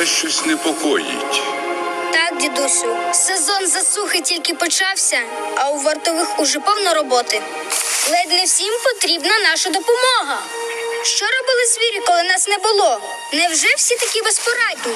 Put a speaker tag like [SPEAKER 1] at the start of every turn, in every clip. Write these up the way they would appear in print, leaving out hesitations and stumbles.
[SPEAKER 1] щось непокоїть.
[SPEAKER 2] Так, дідусю, сезон засухи тільки почався, а у вартових уже повно роботи. Ледь не всім потрібна наша допомога. Що робили звірі, коли нас не було? Невже всі такі безпорадні?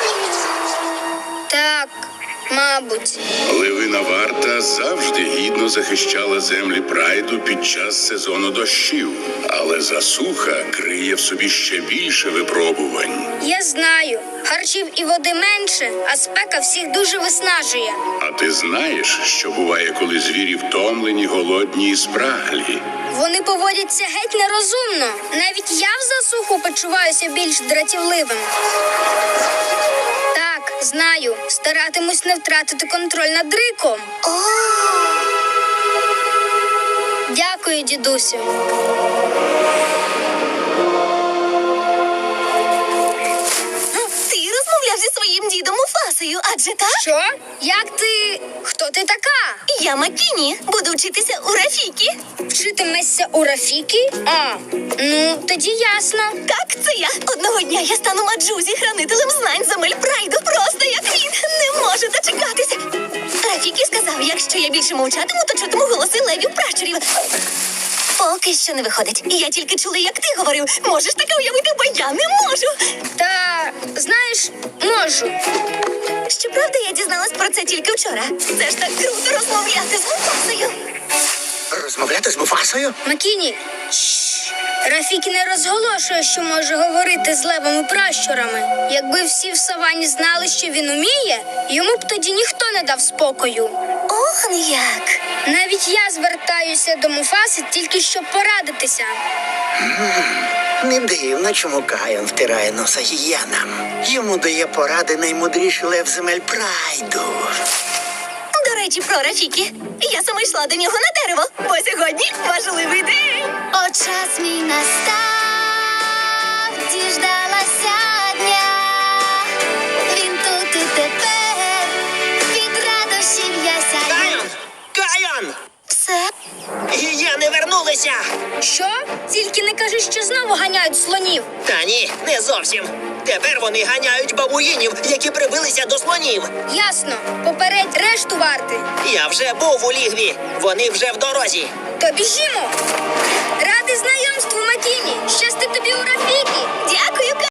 [SPEAKER 2] Так, мабуть.
[SPEAKER 1] Левина варта завжди гідно захищала землі прайду під час сезону дощів. Але засуха криє в собі ще більше випробувань.
[SPEAKER 2] Я знаю, харчів і води менше, а спека всіх дуже виснажує.
[SPEAKER 1] А ти знаєш, що буває, коли звірі втомлені, голодні і спраглі?
[SPEAKER 2] Вони поводяться геть нерозумно. Навіть я в засуху почуваюся більш дратівливим. Так, знаю, старатимусь не втратити контроль над риком. Дякую, дідусю.
[SPEAKER 3] Ти розмовляв зі своїм дідом Муфасою, адже так?
[SPEAKER 2] Що? Як ти? Хто ти така?
[SPEAKER 3] Я Макіні, буду вчитися у Рафікі.
[SPEAKER 2] Вчитимешся у Рафікі? А, ну, тоді ясно.
[SPEAKER 3] Так, це я. Одного дня я стану Маджузі, хранителем знань земель прайду, просто як він. Не можу дочекатися. Рафікі сказав, якщо я більше мовчатиму, то чутиму голоси левів пращурів. Поки що не виходить. Я тільки чула, як ти говорив. Можеш таке уявити, бо я не можу.
[SPEAKER 2] Та, знаєш, можу.
[SPEAKER 3] Щоправда, я дізналась про це тільки вчора. Це ж так круто розмовляти з Муфасою.
[SPEAKER 4] Розмовляти з Муфасою?
[SPEAKER 2] Макіні, Рафікі не розголошує, що може говорити з левими пращурами. Якби всі в савані знали, що він уміє, йому б тоді ніхто не дав спокою.
[SPEAKER 3] Ох, як.
[SPEAKER 2] Навіть я звертаюся до Муфаси тільки щоб порадитися.
[SPEAKER 4] Не дивно, чому Кайон втирає носа гієнам. Йому дає поради наймудріший лев земель прайду.
[SPEAKER 3] До речі, про Рафікі. Я саме йшла до нього на дерево, бо сьогодні важливий день.
[SPEAKER 5] О, час мій настав, діждалася дня. Він тут і тепер, від радощів я сяю.
[SPEAKER 6] Кайон! Кайон!
[SPEAKER 3] Все?
[SPEAKER 6] Гієни вернулися!
[SPEAKER 2] Що? Тільки не кажи, що знову ганяють слонів.
[SPEAKER 6] Та ні, не зовсім. Тепер вони ганяють бабуїнів, які прибилися до слонів.
[SPEAKER 2] Ясно. Попередь решту варти.
[SPEAKER 6] Я вже був у лігві. Вони вже в дорозі.
[SPEAKER 2] То біжімо. Радий знайомству, Макіні. Щасти тобі у Рафікі.
[SPEAKER 3] Дякую,